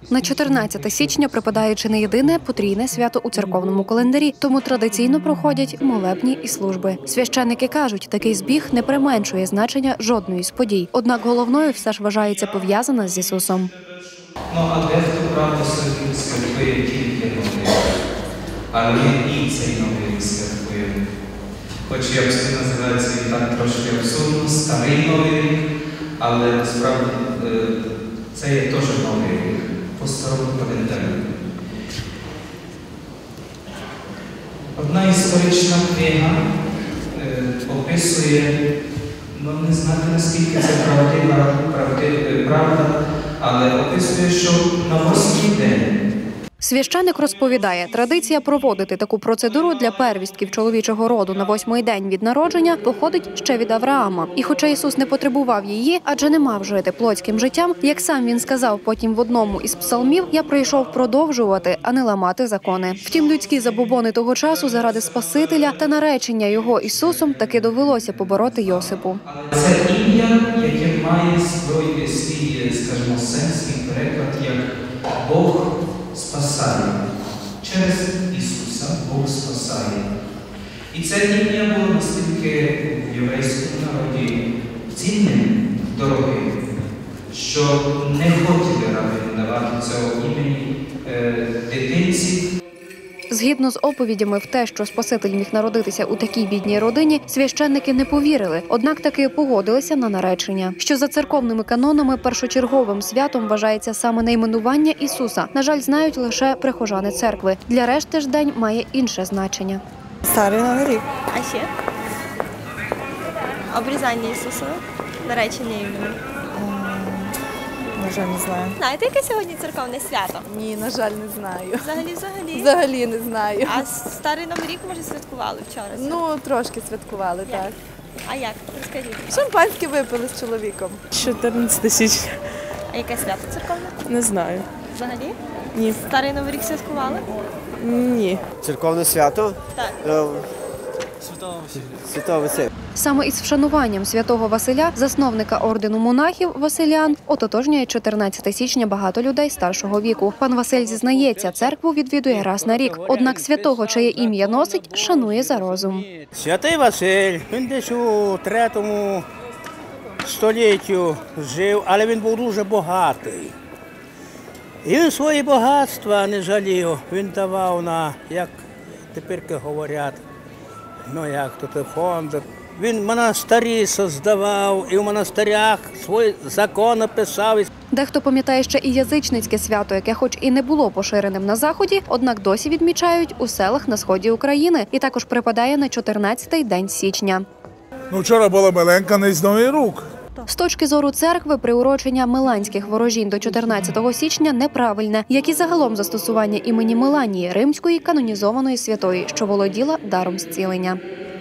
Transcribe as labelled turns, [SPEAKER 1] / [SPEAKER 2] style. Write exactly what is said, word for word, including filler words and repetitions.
[SPEAKER 1] На чотирнадцяте січня припадає чи не єдине потрійне свято у церковному календарі, тому традиційно проходять молебні і служби. Священники кажуть, такий збіг не применшує значення жодної з подій. Однак головною все ж вважається пов'язана з Ісусом.
[SPEAKER 2] Ну, а дехто, правда, собі святкує тільки новий рік, але і цей новий рік святкує. Хоч як це називається і так трошки абсурдно, старий новий рік, але насправді це є теж новий рік по старому календарю. Одна історична книга е, описує, ну не знаю наскільки це правдива, правдива, правда, але описує, що на восьмий день.
[SPEAKER 1] Священик розповідає, традиція проводити таку процедуру для первістків чоловічого роду на восьмий день від народження походить ще від Авраама. І хоча Ісус не потребував її, адже не мав жити плотським життям, як сам він сказав потім в одному із псалмів, «Я прийшов продовжувати, а не ламати закони». Втім, людські забобони того часу заради Спасителя та наречення його Ісусом таки довелося побороти Йосипу.
[SPEAKER 2] Це ім'я, яке має свій, свій, скажімо, сенс і переклад, як Бог спасає. Через Ісуса Бог спасає. І це ім'я було настільки в єврейському народі цінним, дорогим, що не хотіли раби давати цього імені е, дитинці.
[SPEAKER 1] Згідно з оповідями в те, що Спаситель міг народитися у такій бідній родині, священники не повірили, однак таки погодилися на наречення. Що за церковними канонами першочерговим святом вважається саме найменування Ісуса. На жаль, знають лише прихожани церкви. Для решти ж день має інше значення.
[SPEAKER 3] Старий Новий рік.
[SPEAKER 4] А ще? Обрізання Ісуса, наречення імені.
[SPEAKER 3] На жаль, не знаю.
[SPEAKER 4] Знаєте, яке сьогодні церковне свято?
[SPEAKER 3] Ні, на жаль, не знаю.
[SPEAKER 4] Взагалі, взагалі.
[SPEAKER 3] Взагалі не знаю.
[SPEAKER 4] А Старий Новий рік, може, святкували вчора?
[SPEAKER 3] Ну, трошки святкували,
[SPEAKER 4] Як?
[SPEAKER 3] так.
[SPEAKER 4] А як? Розкажіть.
[SPEAKER 3] Шампанське випили з чоловіком. чотирнадцяте січня.
[SPEAKER 4] А яке свято церковне?
[SPEAKER 3] Не знаю.
[SPEAKER 4] Взагалі?
[SPEAKER 3] Ні.
[SPEAKER 4] Старий Новий рік святкували?
[SPEAKER 3] Ні.
[SPEAKER 5] Церковне свято?
[SPEAKER 4] Так.
[SPEAKER 5] Святого Василя.
[SPEAKER 1] Саме із вшануванням святого Василя, засновника ордену монахів Василян, ототожнює чотирнадцяте січня багато людей старшого віку. Пан Василь зізнається, церкву відвідує раз на рік. Однак святого, чиє ім'я носить, шанує за розум.
[SPEAKER 6] Святий Василь, він десь у третьому століттю жив, але він був дуже багатий. І він свої багатства не жалів. Він давав на, як тепер говорять, ну як тут фонд. Він монастирі создавав і в монастирях свої закони писав.
[SPEAKER 1] Дехто пам'ятає ще і язичницьке свято, яке хоч і не було поширеним на Заході, однак досі відмічають у селах на сході України і також припадає на чотирнадцятий день січня.
[SPEAKER 7] Ну, вчора була Меленка на Новий рік.
[SPEAKER 1] З точки зору церкви, приурочення миланських ворожінь до чотирнадцятого січня неправильне, як і загалом застосування імені Меланії, римської канонізованої святої, що володіла даром зцілення.